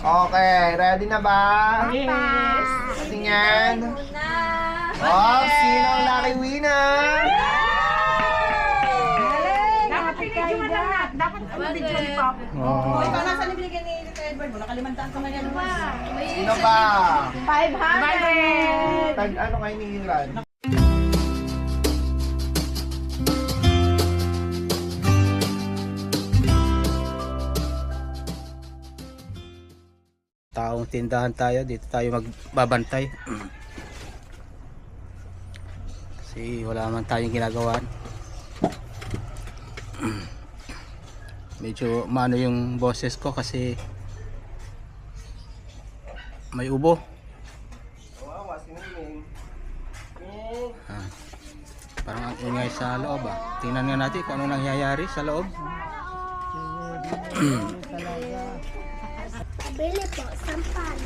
Okay, ready na ba? Yes. Tingnan. Oh, sino ang lucky winner? Dapat pinidyo mo lang na. Dapat video ni Papa. Oh. Ikaw nasa nibigyan ni Tito Edward mo. Nakalimantaan ka man yan. Sino ba? 500. Tag ano kayo ni Iran? Taong tindahan tayo, dito tayo magbabantay. Kasi wala man tayong ginagawan. Medyo maano yung boses ko kasi may ubo. Wow, siniling. Ah, parang ang ingay sa loob ah. Tingnan nga natin kung ano nangyayari sa loob. Bili po, sampalo.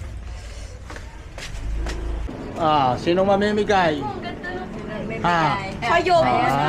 Ah, sinong mamimigay? Ha? Kayo!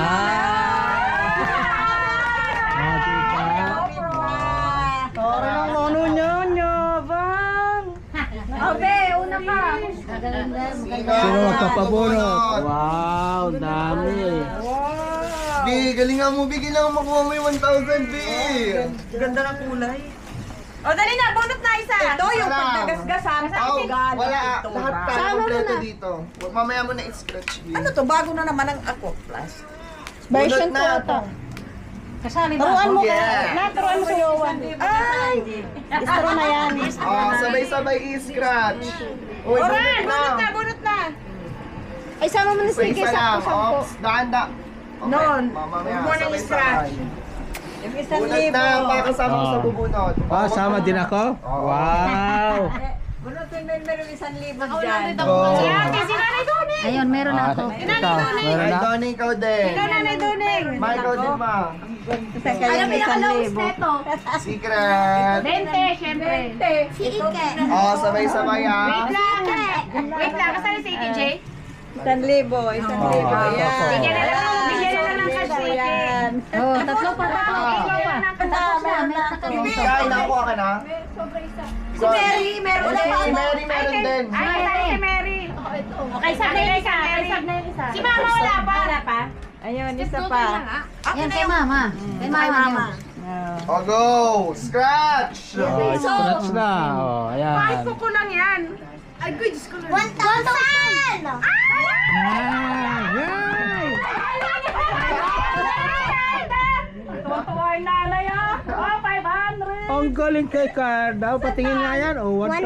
Parang ano nyo, bang? Obe, una ka. Sino magpapabunot? Wow, dami. Bi, galingan mo, Bi. Kailangan makuha mo yung 1,000, Bi. Ganda ng kulay. O, dali na, bunot na isa. Ito yung Sarap. pagkagasgasan. Oh, Sigalan. wala. Ito, Lahat ba? tayo kompleto dito. Mamaya mo na i-scratch, Bi. Ano to? Bago na naman ang Aqua Plus. Version ko ito. Kasali Turuan mo ka. Yeah. Naturuan mo sa Yowan. Ay! Istro na yan. Oh, sabay-sabay i-scratch. Uy, Oran! bunot na. Bunot na! Ay, sama mo na Isa sige. lang. Sakto-sakto. Ops, daan-da. Okay, Non. mamaya, Huwag mo nang sabay-sabay. Yung isang Bunot libo. na, pakasama ko sa bubunot. Ah, sama din ako? Wow! Bunutin mo yung isang libo dyan. Go. Si Nanay Doning! Ayun, meron na ako. Ito, meron Ay, na? Donnie, ikaw din. Nanay Doning! Ma, ikaw din, ma. Ano pinaka-lowest neto? Secret. 20, syempre. Si Ike. Oh, sabay-sabay ah. Wait lang, kasali si TJ? Isang libo. Yan. Bigyan na lang ng cash si Yan. Oh, tatlo pa. Kaya nakuha ka na? Si Mary, meron na Si Mary meron din. Ay, kasali si Mary. Okay, sab na yung isa. Si Mama wala pa. Wala pa. Ayun, isa pa. Yan kay Mama. Kay Mama. Oh, go! Scratch! Oh, scratch na. Oh, ayan. Ko lang yan. Ay, good, Diyos ko lang. 1,000! Ah, yay! Tuwa yung nanay ah. Oh, 500. Ang galing kay Carda. Patingin nga yan. Oh, 1,000.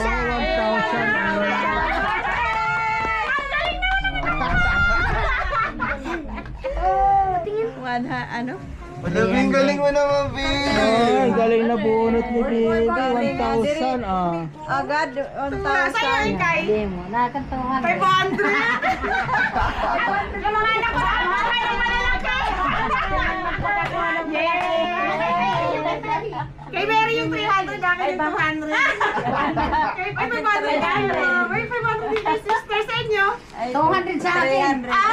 Ano? Galing mo naman, B! Ay, galing na bunot ni Bibi. 1,000. Ah. Agad, 1,000. Kay? Hindi mo, nakakantuhan. 500. Yung mga anak ko, ay, yung malalaki. Yay! Kay Mary yung 300, akin yung 200. Kay 500 tayo. May 500 din kay sister sa inyo. 200 sa akin.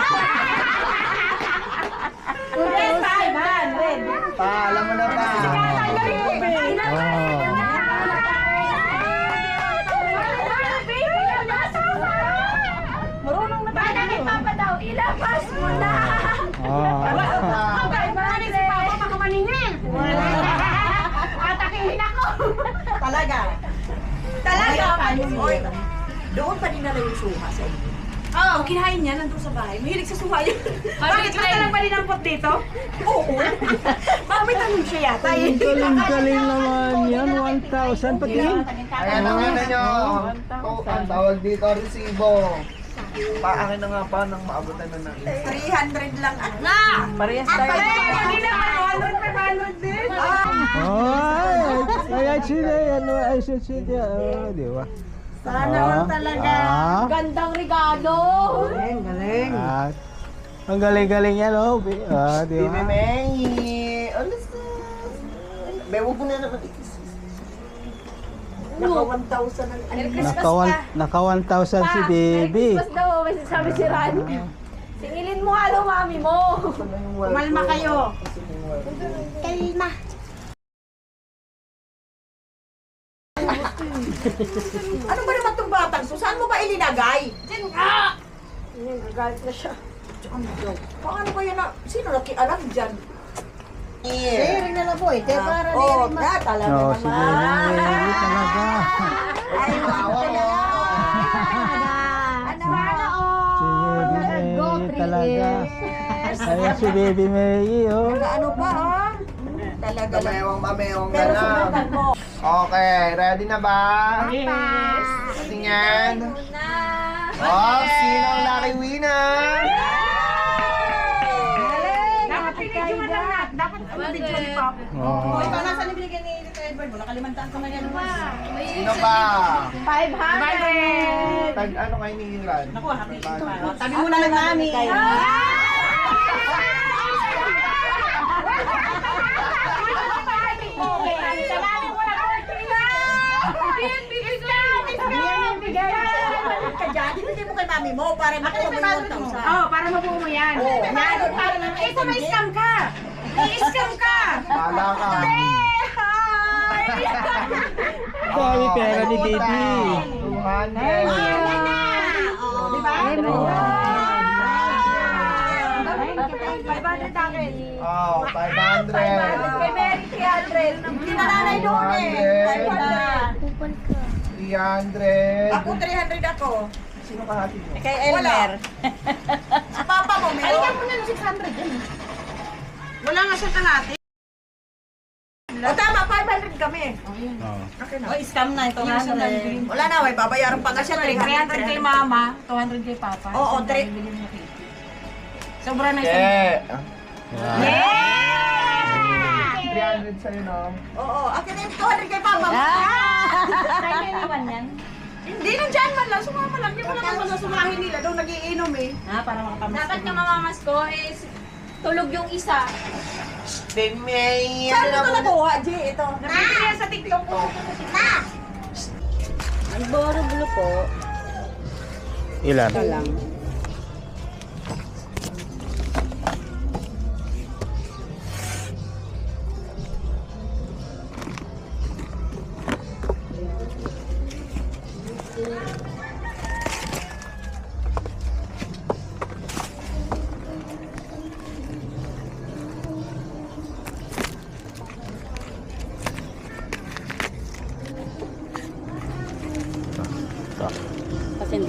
500. Pa, alam mo na pa. Oh. Marunong na tayo. Bakit Papa daw, ilabas mo na. Oh. Bakit maraming si Papa makamaningin? Atakihin ako. Talaga. Oy, doon pa din na yung suha sa inyo. Oo. Kinain niya nandun sa bahay. Mahilig sa suha yun. Bakit basta lang ba dinampot dito? Oo. Baka may tanong siya yata. Ang galing naman yan. 1,000. Patingin. Ayan ang ano nyo. Ang tawag dito, resibo. Paakin na nga pa nang maabutan na ng 300 lang. Na! Parehas tayo. Hindi na 100, 500 din. Oh, ay, sila yan. Ay, sila. Oh, di ba? Sana all talaga. Gandang regalo. Galing. Ah, ang galing-galing yan, oh. Ah, di Bibi ba? May. Alas na. May huwag mo na naman ikis. Naka 1,000 ang Naka 1,000 si Baby. Mas daw, may sabi si Ran. Singilin mo halo, mami mo. Kumalma kayo. Kalma. Ano ba naman itong batang? So, saan mo ba ilinagay? Diyan nga! Nagagalit na siya. Paano ba yan na? Sino nakialam dyan? Sharing na lang po eh. Kaya para Oh, di rin na talaga No, naman. si Baby Mary talaga. Ay, Tawa mo. Ano? Si Baby Mary talaga. Ayan si Baby Mary, oh. Ano ba, oh? Talaga lang. Mamewang ka Pero na. subukan mo. Okay, ready na ba? Yes. Tingnan. Oh, sino ang lucky winner? Dapat pinidyoan lang natin. Dapat video ni Papa. Oh. Ikaw nasa nibigyan ni Tito Edward mo? Nakalimantaan ko na yan. Sino ba? 500. Tag ano kayo ni Ilan? Naku, happy ito. Tabi mo na lang namin. Salamin mo na po. Hindi mo kay mami mo para makuha mo yung 1,000. Oh, para mabuo mo yan. Oo. Ito may scam ka. I-scam ka. Pala ka. Dami pera ni Baby. 200. Di ba? 500 akin. Oh, 500. Kay Mary 300. Hindi na nanay doon eh. 500. 300. Ako 300 ako. Sino kahati mo? Kay Elmer. Si Papa mo, meron. Alikan mo na ng 600 yan. Wala nga siya kalahati. O tama, 500 kami. Oh. Okay na. Oh, scam na ito. Wala na, may babayaran pa nga siya. 300 kay mama, 200 kay papa. Oo, 3. Sobra na Yeah. Wow. 300 sa'yo, no? Oo, akin na yung 200 kay Papa. Kaya may iwan yan. Hindi, nandyan man lang. Sumama lang. Hindi mo lang naman sumahin nila. Doon nagiinom eh. Para makapamasko. Dapat nga mamamas ko is tulog yung isa. Then may... Saan mo ito nakuha, G? Ito. Nabibili yan sa TikTok ko. Ang boro-bulo po. Ilan? Lang. Kasi hindi.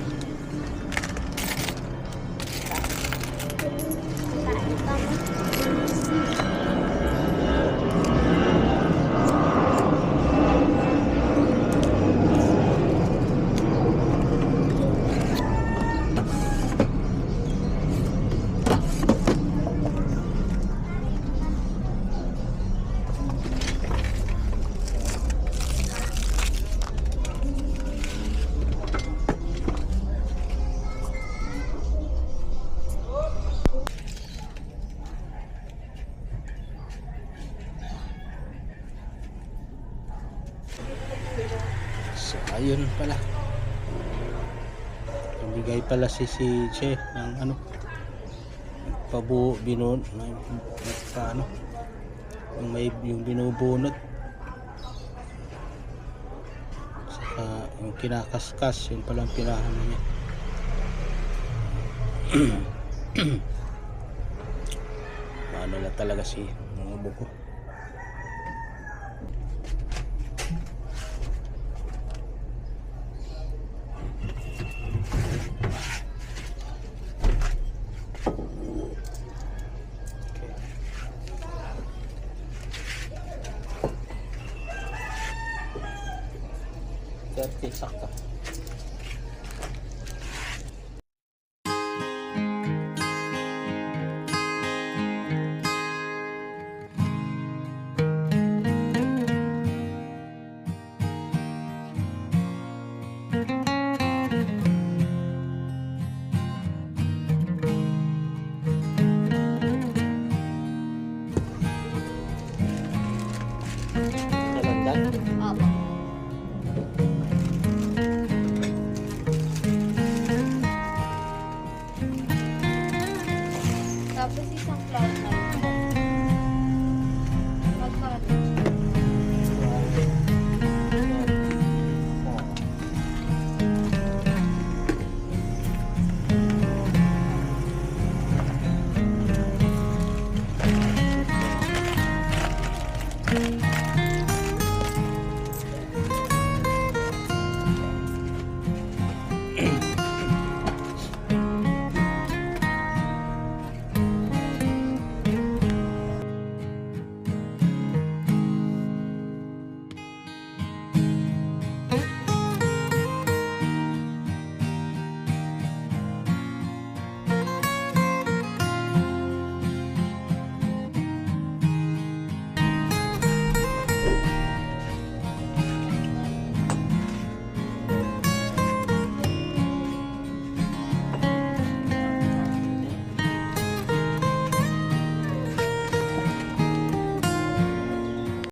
So, ayun pala. Bigay pala si Che ng ano, nagpabuo, nagpa ano, yung binubunot. Saka yung kinakaskas, yun pala ang pinahano niya. Paano lang talaga si mga buko. Sakto.